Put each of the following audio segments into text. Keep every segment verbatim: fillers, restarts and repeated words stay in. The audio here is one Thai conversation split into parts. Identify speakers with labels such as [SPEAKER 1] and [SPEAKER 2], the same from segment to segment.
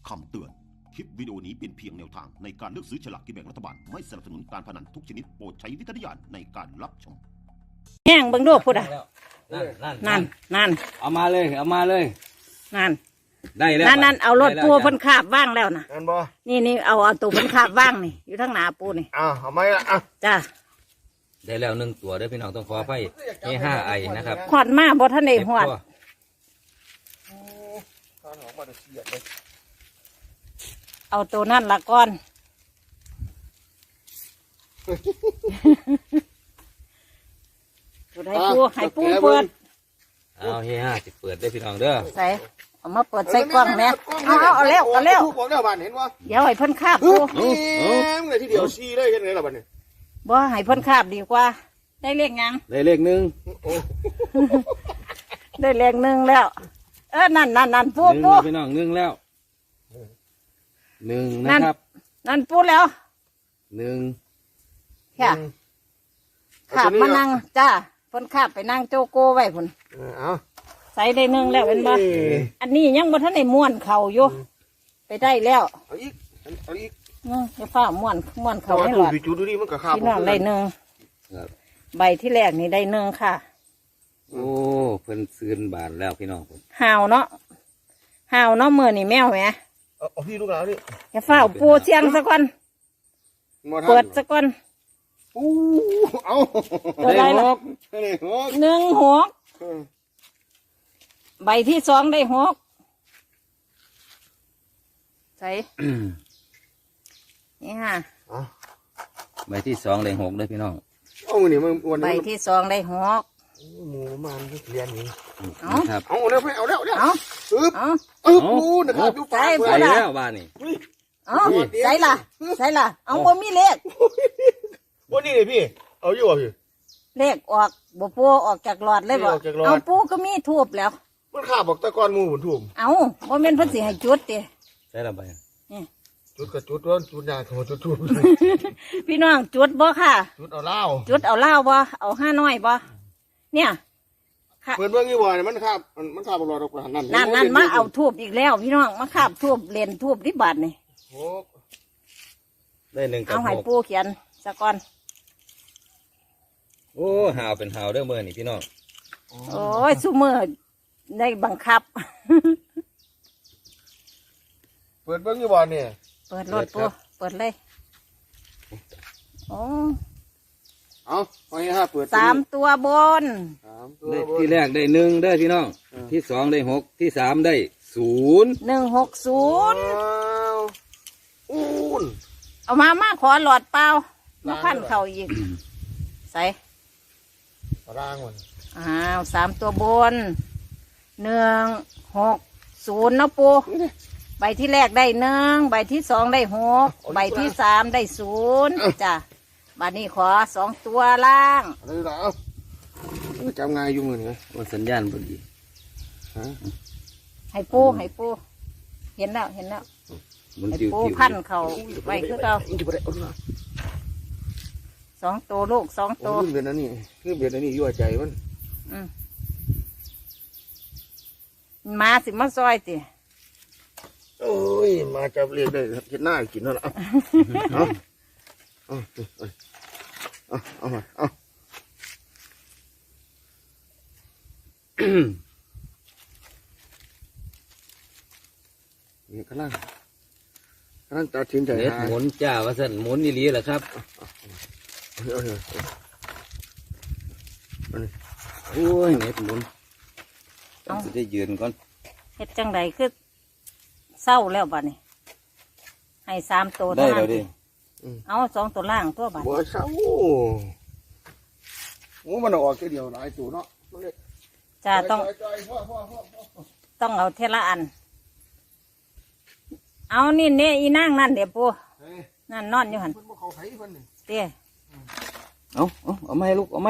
[SPEAKER 1] คำเตือน คลิปวิดีโอนี้เป็นเพียงแนวทางในการเลือกซื้อฉลากกินแบ่งรัฐบาล ไม่สนับสนุนการพนันทุกชนิดโปรดใช้วิจารณญาณในการรับชม
[SPEAKER 2] แห้งเบิ่งดูพูดอ่ะ
[SPEAKER 3] นั่นนั่น
[SPEAKER 2] นั่นนั่น
[SPEAKER 3] เอามาเลยเอามาเลย
[SPEAKER 2] นั่น
[SPEAKER 3] ได้แล้ว
[SPEAKER 2] นั่นนั่นเอารถปูเพิ่นคาบว่างแล้วนะ
[SPEAKER 4] นั่นบ่
[SPEAKER 2] นี่นี่เอาเอาตัวเพิ่นคาบว่างนี่อยู่ทั้งหน้าปูนี่
[SPEAKER 4] อ่าเอาไหมล่ะอ่ะ
[SPEAKER 2] จ้า
[SPEAKER 3] ได้แล้วหนึ่งตัวเด้อพี่น้องต้องขออภัยให้ห้าไอนะครับ
[SPEAKER 2] ขอดมาบ่ทันได้หอด
[SPEAKER 3] เก็บตัว
[SPEAKER 4] โอ้ทานออกมาจะเสียดเลย
[SPEAKER 2] เอาตัวนั่นละก่อนตัวใดปูให้ปูเปิด
[SPEAKER 3] เอาให้ห้าสิเปิดได้อพี่น้องเด้อ
[SPEAKER 2] ใส่เอามาเปิดใส่กล้องแม่เอาเอาเอาเร็วเอาเร็ว
[SPEAKER 4] ทุกบอกแล้วบ้านเห็นว่า
[SPEAKER 2] เดี๋ยวให้เพิ่นคาบปู
[SPEAKER 4] แหมเลยที่เดียวชี้เลยเห็นไงล่ะบ้านนี้
[SPEAKER 2] บ่ให้เพิ่นคาบดีกว่า ได้เลขยัง
[SPEAKER 3] ได้เลขหนึ่ง
[SPEAKER 4] โอ้
[SPEAKER 2] ได้เลขหนึ่งแล้ว เออนั่นนั่นนั่นปู
[SPEAKER 3] หนึ่ง
[SPEAKER 2] ปู
[SPEAKER 3] แล้วพี่น้องหนึ่งแล้วหนึ่งนะครับ
[SPEAKER 2] นั่นปูแล้ว
[SPEAKER 3] หนึ่ง
[SPEAKER 2] ค่ะขาบมานั่งจ้าเพิ่นขาบไปนั่งโจโก้ไว้พุ่น
[SPEAKER 4] เอา
[SPEAKER 2] ใส่ได้หนึ่งแล้วเป็นบ่อันนี้ยังบ่ทันได้ม้วนเข่าอยู่ไปได้แล้ว
[SPEAKER 4] เอาอีกเอาอีก
[SPEAKER 2] เนาะจะฟ้าม้วนม้วนเข่าให้ห
[SPEAKER 4] ดู
[SPEAKER 2] ลอด
[SPEAKER 4] พี่จูดูดิมันก็ข้าว
[SPEAKER 2] พี่น้องได้หนึ่ง
[SPEAKER 3] ครับ
[SPEAKER 2] ใบที่แรกนี่ได้หนึ่งค่ะ
[SPEAKER 3] โอ้เพิ่นซื้นบาทแล้วพี่น้องผม
[SPEAKER 2] ห่าวเนาะห่าวเนาะมือนี่แมวแหม
[SPEAKER 4] เอาพี่ลูกหลานนี่
[SPEAKER 2] จะฟ้าปูเสียงซะก่อนเปิดซะก่อน
[SPEAKER 4] อู้เอา
[SPEAKER 2] ตัวใดล่ะ
[SPEAKER 4] ได้หก
[SPEAKER 2] หนึ่งหกใบที่สองได้หกใส่นี่ค่ะ
[SPEAKER 3] ใบที่สองได้หกเด้อพี่น้อง
[SPEAKER 4] เอาเงินนี่มันวัน
[SPEAKER 2] ใบ
[SPEAKER 4] นี้
[SPEAKER 2] ที่สองได้หก
[SPEAKER 4] หมูมันเรียนนี่
[SPEAKER 2] เอา
[SPEAKER 3] นะครับ
[SPEAKER 4] เอาแล้วไปเอาแล้วแล้ว
[SPEAKER 2] เอา
[SPEAKER 4] อึ๊บ
[SPEAKER 2] เอา
[SPEAKER 4] อึ๊บปูนะครับดู
[SPEAKER 2] ใส่
[SPEAKER 4] ฟ้า
[SPEAKER 3] ไป
[SPEAKER 4] เลย
[SPEAKER 3] แล้วบ้านนี่
[SPEAKER 2] เอาใส่ละใส่ละเอาบ่มีเลข
[SPEAKER 4] วันนี้เลยพี่ เอาอยู่อ่ะพี่
[SPEAKER 2] เลขออกบ่ปูออกจากหลอดเลยบ่
[SPEAKER 4] ออกจากหลอด
[SPEAKER 2] เอาปูก็มีทูบแล้ว
[SPEAKER 4] มันข้าบอกตะกอนหมูหุ่นทุ่ม
[SPEAKER 2] เอาบ่แม่นเพิ่นสิให้จุดติ
[SPEAKER 3] ใช่ละใบ
[SPEAKER 2] นี่
[SPEAKER 4] จุดกับจุดร้อนจุดยาโถจุดจุด
[SPEAKER 2] พี่น้องจุดบ่ค่ะ
[SPEAKER 4] จุดเอาเหล้า
[SPEAKER 2] จุดเอาเหล้าบ่เอาห้าน้อยบ่เนี่ยค่ะ
[SPEAKER 4] เปิดเบื้องยี่บ่อยมันข้ามันมันข้าบรอดอกนั่น
[SPEAKER 2] นั่นนั่นมาเอาทูบอีกแล้ว พี่น้องมาคาบทูบเล่นทูบที่บาทนี่
[SPEAKER 4] โอ้
[SPEAKER 3] ได้หนึ่งกับ
[SPEAKER 2] เอาให้
[SPEAKER 3] หก
[SPEAKER 2] ปูเขียนซะก่อน
[SPEAKER 3] โอ้หาวเป็นหาวเด้อเมื่อนี่พี่น้อง
[SPEAKER 2] โอ้ยซุมื้อได้บังคับ
[SPEAKER 4] เปิดเบื้องยี่บ่อยเนี่ย
[SPEAKER 2] เปิดรถปูเปิดเลยโอ้
[SPEAKER 4] เอาไปห้าเปิด
[SPEAKER 2] สามตัวบน
[SPEAKER 4] สามตัว
[SPEAKER 3] ได้ที่แรกได้หนึ่งเด้อพี่น้อง ที่สองได้หกที่สามได้ศูนย์
[SPEAKER 2] หนึ่งหกศูนย์
[SPEAKER 4] อู้น
[SPEAKER 2] เอามามาขอหลอดเปล่ามาพันเข่าอีก ใส่
[SPEAKER 4] ร่างมัน
[SPEAKER 2] อ้าวสามตัวบนหนึ่งหกศูนย์เนาะปู ใบที่แรกได้หนึ่งใบที่สองได้หกใบที่สามได้ศูนย์จ้ะบัดนี้ขอสองตัวล่าง
[SPEAKER 4] อะไรล่ะเอาจำง่ายอยู่มือนี่
[SPEAKER 3] ว่าสัญญาณพอดี
[SPEAKER 4] ฮะ
[SPEAKER 2] ให้ปูให้ปูเห็นแล้วเห็นแล้ว
[SPEAKER 3] มัน
[SPEAKER 2] ให้
[SPEAKER 3] จิ๋ว
[SPEAKER 2] ปู
[SPEAKER 3] จิ๋ว
[SPEAKER 2] พันเขาไว้คือเรา
[SPEAKER 4] จะไปได้เอาดูนะ
[SPEAKER 2] สองตัวลูกสอง
[SPEAKER 4] โอ้
[SPEAKER 2] ตัว
[SPEAKER 4] ขึ้นเบียดอันนี้ขึ้นเบียดอันนี้ยั่วใจมัน
[SPEAKER 2] อืมมาสิมาซอยติ
[SPEAKER 4] โอ้ยมาจับเรียกได้เห็นหน้ากินแล้วล่ะเอาเอาเอาเอามาเอานี่กำลังกำลังตัดสินใจ
[SPEAKER 3] เน็ต
[SPEAKER 4] หา
[SPEAKER 3] หมุนจ้าว่าสั่นหมุนนี่ลีแหละครับ
[SPEAKER 4] เอาเอาเอา
[SPEAKER 3] โอ้ยเน็ตหมุนต้องจะได้ยืนก่อน
[SPEAKER 2] เฮ็ดจังใดคือเศร้าแล้วบัดนี้ให้สามตัว
[SPEAKER 3] ได้
[SPEAKER 2] เท่า
[SPEAKER 3] แล้
[SPEAKER 2] นั้
[SPEAKER 3] วน ดิ
[SPEAKER 2] เอาสองตัวล่างตัวบัด
[SPEAKER 4] บัวเช้าโอ้มันออกแค่เดียวหลายตัวเนาะ
[SPEAKER 2] จ้าต้อง ต้องเอาเทละอัน เอานี่เนี่ยอีนั่งนั่นเดี๋ยวปูนั่นนอนอยู่หัน
[SPEAKER 4] เพิ่นบ่เข้าไผเพิ่นนี่
[SPEAKER 2] เตี้ย
[SPEAKER 3] เอาเอาเอาไหมลูกเอาไหม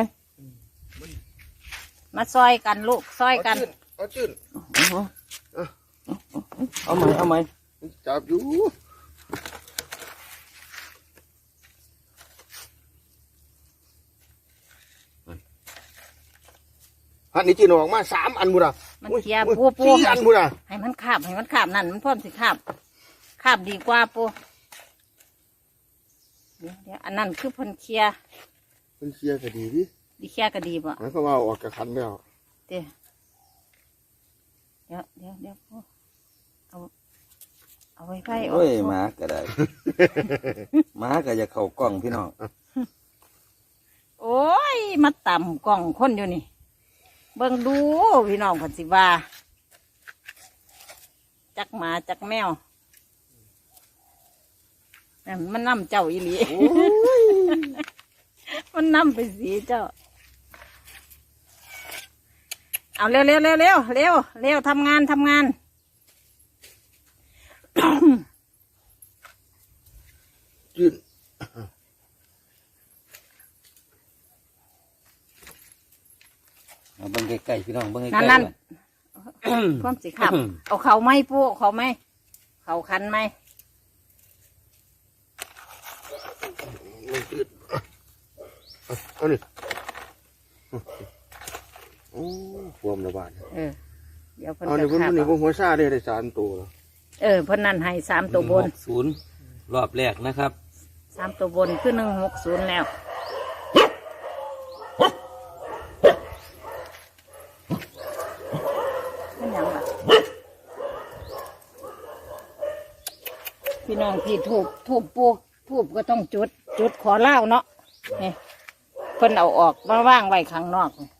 [SPEAKER 2] มาซอยกันลูกซอยกัน
[SPEAKER 4] เอาจืด
[SPEAKER 3] เอาเอาไหมเอาไหม
[SPEAKER 4] จับอยู่อันนี้จีนออกมาสามอันบุระ
[SPEAKER 2] มันเคลียร์ปูปู
[SPEAKER 4] สี่อันบุระ
[SPEAKER 2] ให้มันขาบให้มันขาบนั่นมันพร้อมสิขาบคาบดีกว่าปูเดี๋ยวเดี๋ยวอันนั้นคือเพิ่นเคลียร์
[SPEAKER 4] มันเคลียร์ก็ดีดิ
[SPEAKER 2] ดีเคลียร์ก็ดีบ่
[SPEAKER 4] หมายความว่าเอาออกจากคันแล้ว
[SPEAKER 2] เดี๋ยวเดี๋ยวเดี๋ยวเดี๋ยวปูเอาเอาไว้ไว้ออก
[SPEAKER 3] โอ้ยหมาก็ได้ หมาก็จะเข้ากล้องพี่น้อง
[SPEAKER 2] โอ้ยมาต่ำกล่องคนอยู่นี่เบิ่งดูพี่น้องเพันสิว่าจักหมาจักแมวนั่นมันนำเจ้าอีหลี มันนำไปสีเจ้า เอาเร็วเร็วเร็วเร็วเร็วเร็วทำงานทำงาน
[SPEAKER 4] ยืน
[SPEAKER 3] เอาเบิ่งใกล้ๆพี่น้องเบิ่งใกล้
[SPEAKER 2] นั่น
[SPEAKER 3] ๆ
[SPEAKER 2] นั่น
[SPEAKER 3] ก่อน
[SPEAKER 2] พร้อมสิครับ เอาเขาไหมปูเอาเขาไหมเขาคันไหม
[SPEAKER 4] มันยืนเอานี่โอ้ฟวมระบาด
[SPEAKER 2] เออเดี๋ยวเพิ่น
[SPEAKER 4] เอา
[SPEAKER 2] จะ
[SPEAKER 4] เนี่ยเพิ่น
[SPEAKER 2] ขับ
[SPEAKER 4] นี่
[SPEAKER 2] เอา
[SPEAKER 4] เพิ่นหัวซาได้ได้สามตัวแล้ว
[SPEAKER 2] เออเพิ่นนั่นให้สามตัวบน
[SPEAKER 3] หกศูนย์รอบแรกนะครับ
[SPEAKER 2] สามตัวบนคือหนึ่งหกศูนย์แล้วเป็นหยังล่ะพี่น้องพี่ถูกถูกปูถูกก็ต้องจุด จุดขอเล่าเนาะนี่เพิ่นเอาออกมาว่างไว้ข้างนอกนี่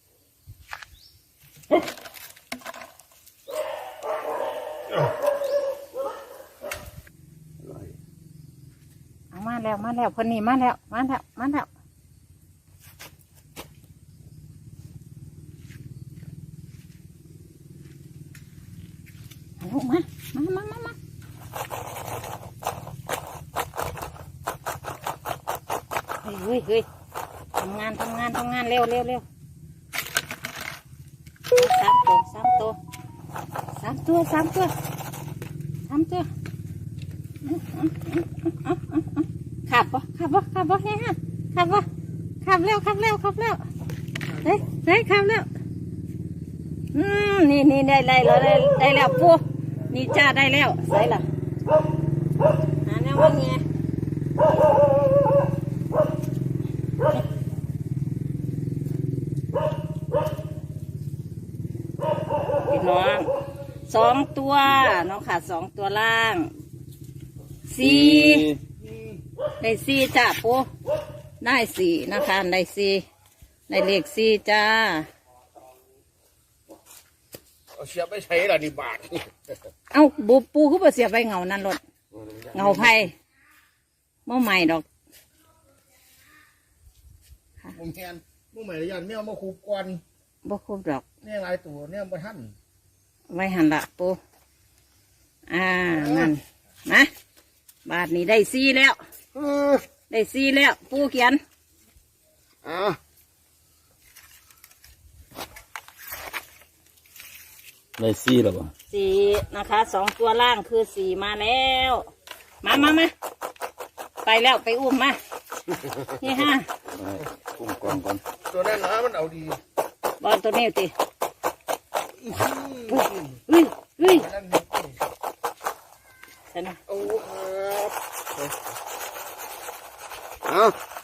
[SPEAKER 2] เอามาแล้วมาแล้วเพิ่นนี่มาแล้วมาแล้วมาแล้วเอาลูกมามามามามาเฮ้ยเฮ้ยเฮ้ยทำงานทำงานทำงานเร็วเร็วเร็วสามตัวสามตัวสามตัวสามตัวสามตัวขับปะขับปะขับปะเนี่ยฮะขับปะขับเร็วขับเร็วขับเร็วเฮ้ยเฮ้ยขับเร็วอืมนี่นี่ได้ได้แล้วได้ได้แล้วปูนี่จ้าได้แล้วใส่ละหาแนวว่าไงพี่น้องสองตัวน้องขาดสองตัวล่างสี่ได้สี่จ้าปูได้สี่นะคะได้สี่ได้เลขสี่จ้า
[SPEAKER 4] เอาเสียบไปใช้ละนี่บาท
[SPEAKER 2] เอ้าบูปูคือบ่เสียไปเงานั่นรถเงาไผ่เมื่อใหม่ดอก
[SPEAKER 4] มุมแทนมุมใหม่ระยะแมวมาคูก่อน
[SPEAKER 2] บ่ครบดอก
[SPEAKER 4] เนี่ยลายตัวเนี่ยบ่ทัน
[SPEAKER 2] ไว้หันละปูอ่านั่นนะบาทนี้ได้สี่แล้ว
[SPEAKER 4] เออ
[SPEAKER 2] ได้สี่แล้ว ปูเขียน
[SPEAKER 4] อ่า
[SPEAKER 3] ได้ซี่แล้วบ่
[SPEAKER 2] สี่นะคะสองตัวล่างคือสี่มาแล้ว มามามาไปแล้วไปอุ้มมานี่ฮะ
[SPEAKER 3] เอากุ้งกองก่อน
[SPEAKER 4] ตัวนั้นนะมันเอาดี
[SPEAKER 2] บอลตัวนี้ติเฮ้ยเฮ้ยเฮ้ย
[SPEAKER 4] นั่นนี่
[SPEAKER 2] ใช่ไหม
[SPEAKER 4] โอ้ครับเอา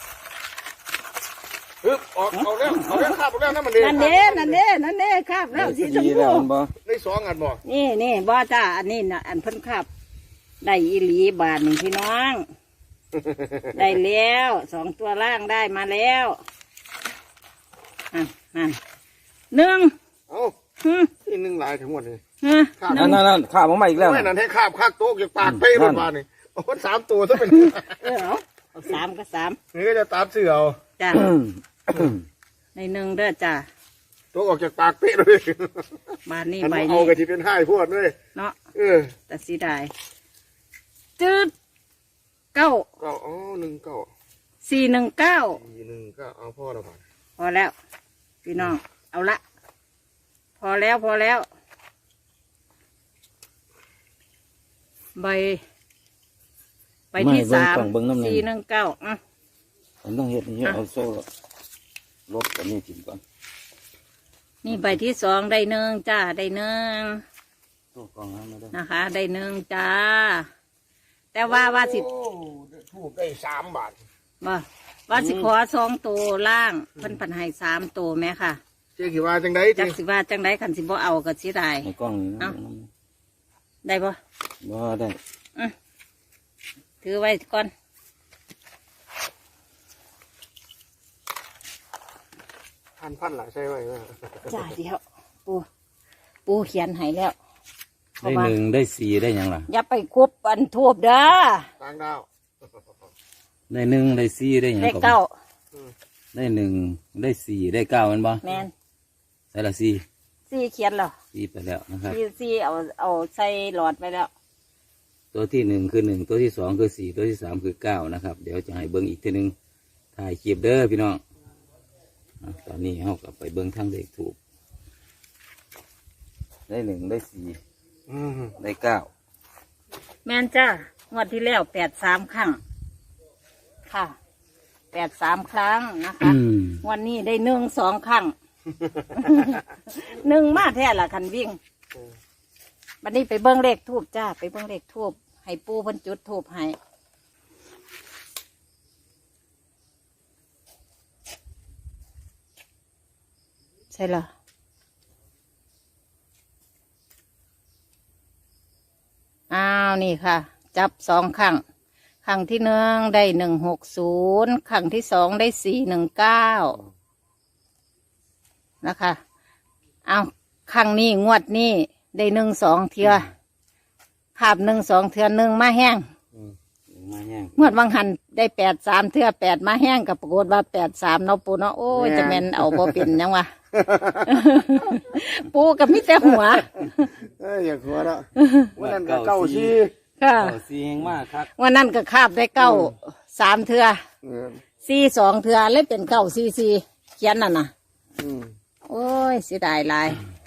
[SPEAKER 4] ฮึบออกเอาแล้วเอาแล้วข้าบเอาแล้วนั่นมันเด้
[SPEAKER 2] นั่นเด้นั่นเด้นั่นเด้ครับแล้วสีชม
[SPEAKER 3] ซี่
[SPEAKER 2] พู
[SPEAKER 3] แล้วมันบ่
[SPEAKER 4] ได้สองอันบ่
[SPEAKER 2] นี่นี่บ่จ้าอันนี้นะอันเพิ่นครับได้อีหลีบาทหนึ่งพี่น้อง ได้แล้วสองตัวล่างได้มาแล้วนั่นนั่นหนึ่ง
[SPEAKER 4] เอา
[SPEAKER 2] ฮึ
[SPEAKER 4] อีกหนึ่งลายทั้งหมดเลย
[SPEAKER 2] ฮึห
[SPEAKER 3] นั่
[SPEAKER 2] นึ่
[SPEAKER 3] น
[SPEAKER 2] ง
[SPEAKER 3] นั่นนั่นข้าวมาอีกแล้ว
[SPEAKER 4] ไม่นั่นให้คาบคากโต๊ะจากปากเป้รถมานี่โอ้โหสามตัวซะเป็น
[SPEAKER 2] เออเอาเอาสามก็สาม
[SPEAKER 4] นี่ก็จะตามเสือเอา
[SPEAKER 2] จ้าในหนึ่งเด้อจ้า
[SPEAKER 4] โต๊ะออกจากปากเป้เลย
[SPEAKER 2] บาทนี้
[SPEAKER 4] อัน
[SPEAKER 2] ใบ
[SPEAKER 4] นี้เอา
[SPEAKER 2] นี้
[SPEAKER 4] กระทิเป็นห้ายพวดด้วย
[SPEAKER 2] เนาะ
[SPEAKER 4] เออ
[SPEAKER 2] แต่สีได้จืดเก้า
[SPEAKER 4] เก้าอ๋อหนึ่งเก้า
[SPEAKER 2] สี่หนึ่งเก้า
[SPEAKER 4] สี่หนึ่งเก้าเอาพ่อเราผ่าน
[SPEAKER 2] พอแล้ว พี่น้อง เอาละ พอแล้วพอแล้ว ใบ ใบที่สามสี่หนึ่งเก้าอ่ะ
[SPEAKER 3] ผมต้องเฮ็ดนี่เอาโซ่ลบอันนี้กินก่อน
[SPEAKER 2] นี่ใบที่สองได้หนึ่งจ้าได้หนึ่ง
[SPEAKER 3] โซ่กองน้ำมาได้
[SPEAKER 2] นะคะ ได้หนึ่งจ้าแต่ว่าว่าสิ
[SPEAKER 4] โอ้ถูกได้สามบาท
[SPEAKER 2] บ่ว่าสิขอสองตัวล่างเพิ่นพันให้สามตัวแม่ค่ะ
[SPEAKER 4] เจ๊กี่ว่าจังได
[SPEAKER 2] จักสิว่าจังไดคันสิบ่เอาก็สิได้
[SPEAKER 3] ในกล้องนี้นะ
[SPEAKER 2] เอ้า ได้บ่
[SPEAKER 3] บ่ได้
[SPEAKER 2] ถือไว้ก่อน
[SPEAKER 4] พันพันหลายใช่ไหม
[SPEAKER 2] จ้าเดียวปูปูเขียนให้แล้วเพ
[SPEAKER 3] ได้
[SPEAKER 2] ราะว่า
[SPEAKER 3] หนึ่งได้สี่ได้หยังล่ะ
[SPEAKER 2] อย่าไปคุบอันทูบเด้อ
[SPEAKER 4] ต่างดาว
[SPEAKER 3] ได้หนึ่งได้สี่ได้หยัง
[SPEAKER 2] ได้
[SPEAKER 3] ก็
[SPEAKER 2] เก้า
[SPEAKER 3] ได้หนึ่งได้สี่ได้เก้าแมันบ่
[SPEAKER 2] แมน
[SPEAKER 3] ใส่ละสี่
[SPEAKER 2] สี่เขียนเหรอ
[SPEAKER 3] สี่ไปแล้วนะครับ
[SPEAKER 2] สี่สี่เอาเอาใส่หลอดไปแล้ว
[SPEAKER 3] ตัวที่หนึ่งคือหนึ่งตัวที่สองคือสี่ตัวที่สามคือเก้านะครับ เดี๋ยวจะให้เบิ้งอีกทีหนึ่งถ่ายคลิปเด้อพี่น้องอ่ะตอนนี้เขากลับไปเบิ้งทางเลขถูกได้หนึ่งได้สี่ได้เก้า
[SPEAKER 2] แมนจ้างวดที่แล้วแปดสามครั้งค่ะแปดสามครั้งนะคะ
[SPEAKER 3] อืม
[SPEAKER 2] วันนี้ได้หนึ่งสองครั้ง หนึ่งมาแท้ละคันวิ่งบัดนี้ไปเบิ้งเลขทูบจ้าไปเบิ้งเลขทูบให้ปูเพิ่นจุดทูบให้ใช่เหรออ้าวนี่ค่ะ จับสองครั้งครั้งที่หนึ่งได้หนึ่งหกศูนย์ครั้งที่สองได้สี่หนึ่งเก้านะคะ เอาครั้งนี้งวดนี้ได้หนึ่งสองเทือขาบหนึ่งสองเทือหนึ่งมาแห้ง
[SPEAKER 3] มาแห้ง
[SPEAKER 2] งวดวังหันได้แปดสามเทือแปดมาแห้งกับปรากฏว่าแปดสามเนาะปูเนาะโอ้ยจะแม่นเอาบ่เป็นยังวะ ปูกับมิแต่หัว
[SPEAKER 4] เอ้ยอย่าหัวละวันนั้นก็เก้าชี
[SPEAKER 2] ค่ะ
[SPEAKER 3] เก้าสี่แห้งมากครับ
[SPEAKER 2] วันนั้นก็คาบได้เก้าสามเทือ
[SPEAKER 4] เออ
[SPEAKER 2] สี่สองเทือเลยเป็นเก้าสี่สี่เขียนน่ะนะ
[SPEAKER 4] อืม
[SPEAKER 2] โอ้ยเสียดายหลาย
[SPEAKER 3] อ